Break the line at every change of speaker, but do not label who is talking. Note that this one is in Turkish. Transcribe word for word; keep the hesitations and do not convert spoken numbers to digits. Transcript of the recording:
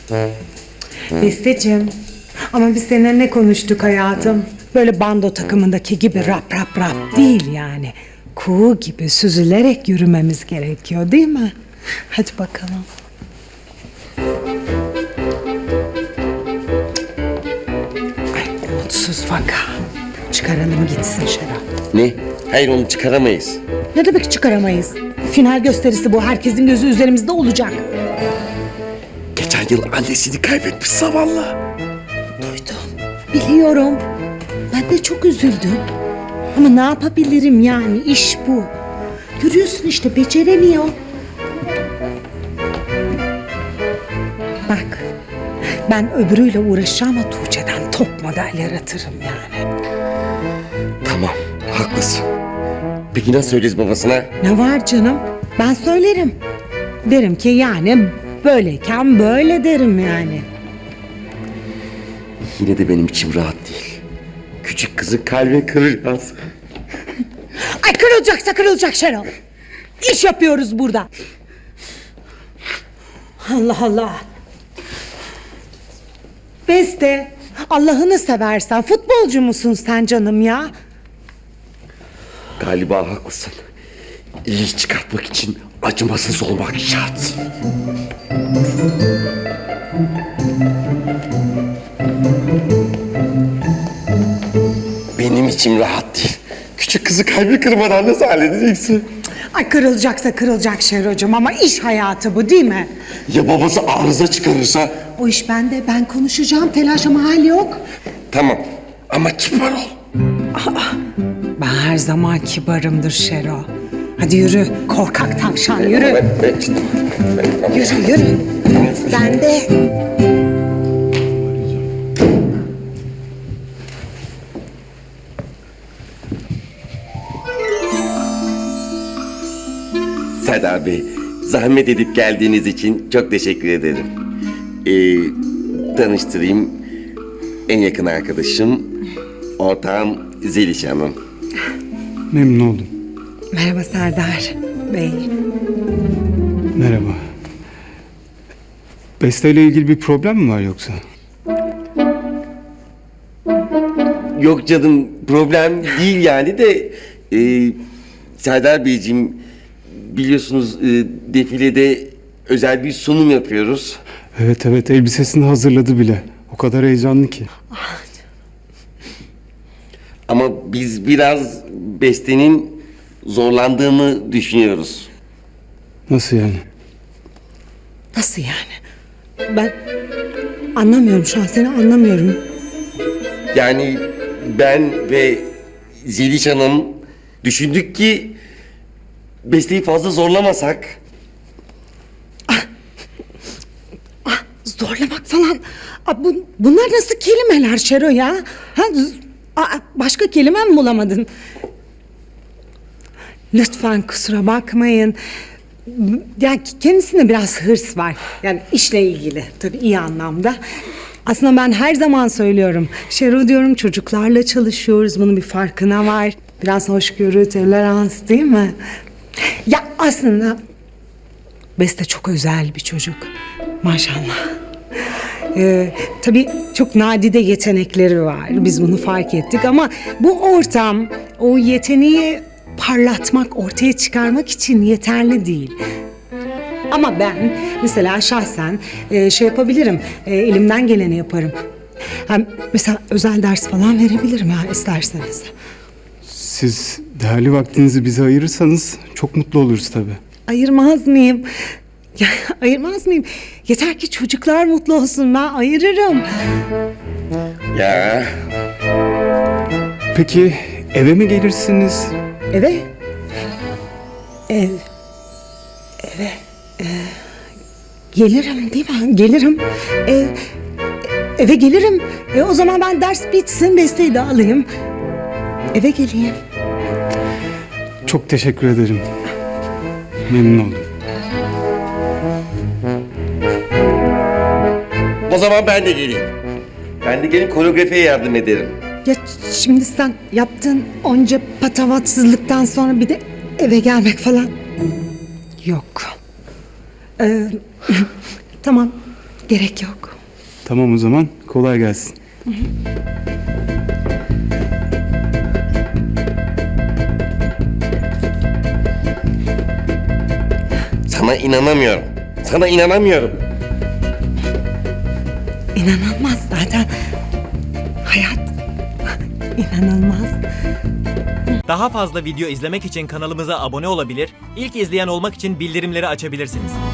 Besteciğim, ama biz seninle ne konuştuk hayatım? Böyle bando takımındaki gibi rap rap rap değil yani. Kuğu gibi süzülerek yürümemiz gerekiyor değil mi? Hadi bakalım. Ay mutsuz vaka. Çıkaralım gitsin Şeraf.
Ne? Hayır, onu çıkaramayız.
Ne demek çıkaramayız? Final gösterisi bu. Herkesin gözü üzerimizde olacak.
Geçen yıl annesini kaybetmiş zavallı.
Duydum. Biliyorum. Ben de çok üzüldüm. Ama ne yapabilirim yani? İş bu. Görüyorsun işte beceremiyor. Bak. Ben öbürüyle uğraşacağım ama Tuğçe'den top model yaratırım yani.
Tamam, haklısın. Peki nasıl söyleyeceğiz babasına?
Ne var canım? Ben söylerim. Derim ki yani böyleyken böyle derim yani.
Yine de benim içim rahat değil. Küçük kızı kalbini kıracağız.
Ay kırılacaksa kırılacak Şenol. İş yapıyoruz burada. Allah Allah. Beste, Allah'ını seversen futbolcu musun sen canım ya?
Galiba haklısın. İyi çıkartmak için acımasız olmak şart. Benim içim rahat değil. Küçük kızı kalbi kırmadan nasıl halledeceksin?
Ay kırılacaksa kırılacak Şerocuğum ama iş hayatı bu değil mi?
Ya babası arıza çıkarırsa?
O iş bende, ben konuşacağım, telaş ama hal yok.
Tamam ama kibar ol.
Ben her zaman kibarımdır Şero. Hadi yürü, korkak tavşan yürü.
Ben, ben, ben,
Yürü yürü. Ben de.
Serdar Bey, zahmet edip geldiğiniz için çok teşekkür ederim. Ee, tanıştırayım. En yakın arkadaşım, ortağım Zeliş Hanım.
Memnun oldum.
Merhaba Serdar Bey.
Merhaba. Beste ile ilgili bir problem mi var yoksa?
Yok canım, problem değil yani de... E, Serdar Beyciğim, biliyorsunuz e, defilede özel bir sunum yapıyoruz.
Evet evet, elbisesini hazırladı bile. O kadar heyecanlı ki.
Ama biz biraz Beste'nin zorlandığını düşünüyoruz.
Nasıl yani?
Nasıl yani? Ben anlamıyorum şu an, seni anlamıyorum.
Yani ben ve Zeliş Hanım düşündük ki Beste'yi fazla zorlamasak.
Zorlamak falan. Aa, bu, bunlar nasıl kelimeler Şero ya? Ha, z- aa, başka kelime mi bulamadın? Lütfen kusura bakmayın. Yani kendisinde biraz hırs var. Yani işle ilgili tabii iyi anlamda. Aslında ben her zaman söylüyorum. Şero diyorum, çocuklarla çalışıyoruz. Bunun bir farkına var. Biraz hoşgörü, tolerans değil mi? Ya aslında Beste çok özel bir çocuk. Maşallah. Ee, tabii çok nadide yetenekleri var. Biz bunu fark ettik ama bu ortam o yeteneği parlatmak, ortaya çıkarmak için yeterli değil. Ama ben mesela şahsen e, şey yapabilirim, e, elimden geleni yaparım. Hem mesela özel ders falan verebilirim ya isterseniz.
Siz değerli vaktinizi bize ayırırsanız çok mutlu oluruz tabii.
Ayırmaz mıyım? Ya, ayırmaz mıyım? Yeter ki çocuklar mutlu olsun, ben ayırırım.
Ya
Peki eve mi gelirsiniz?
Eve? Ev. Eve. e, gelirim değil mi? Gelirim. Ev. Eve gelirim. E, o zaman ben ders bitsin, Beste'yi de alayım. Eve geleyim.
Çok teşekkür ederim. Memnun oldum.
o zaman ben de geleyim. Ben de gelin koreografiye yardım ederim.
Ya şimdi sen yaptığın onca patavatsızlıktan sonra bir de eve gelmek falan. Yok. Ee, tamam. Gerek yok.
Tamam o zaman kolay gelsin.
Sana inanamıyorum. Sana inanamıyorum.
İnanılmaz zaten. Hayat inanılmaz.
Daha fazla video izlemek için kanalımıza abone olabilir, ilk izleyen olmak için bildirimleri açabilirsiniz.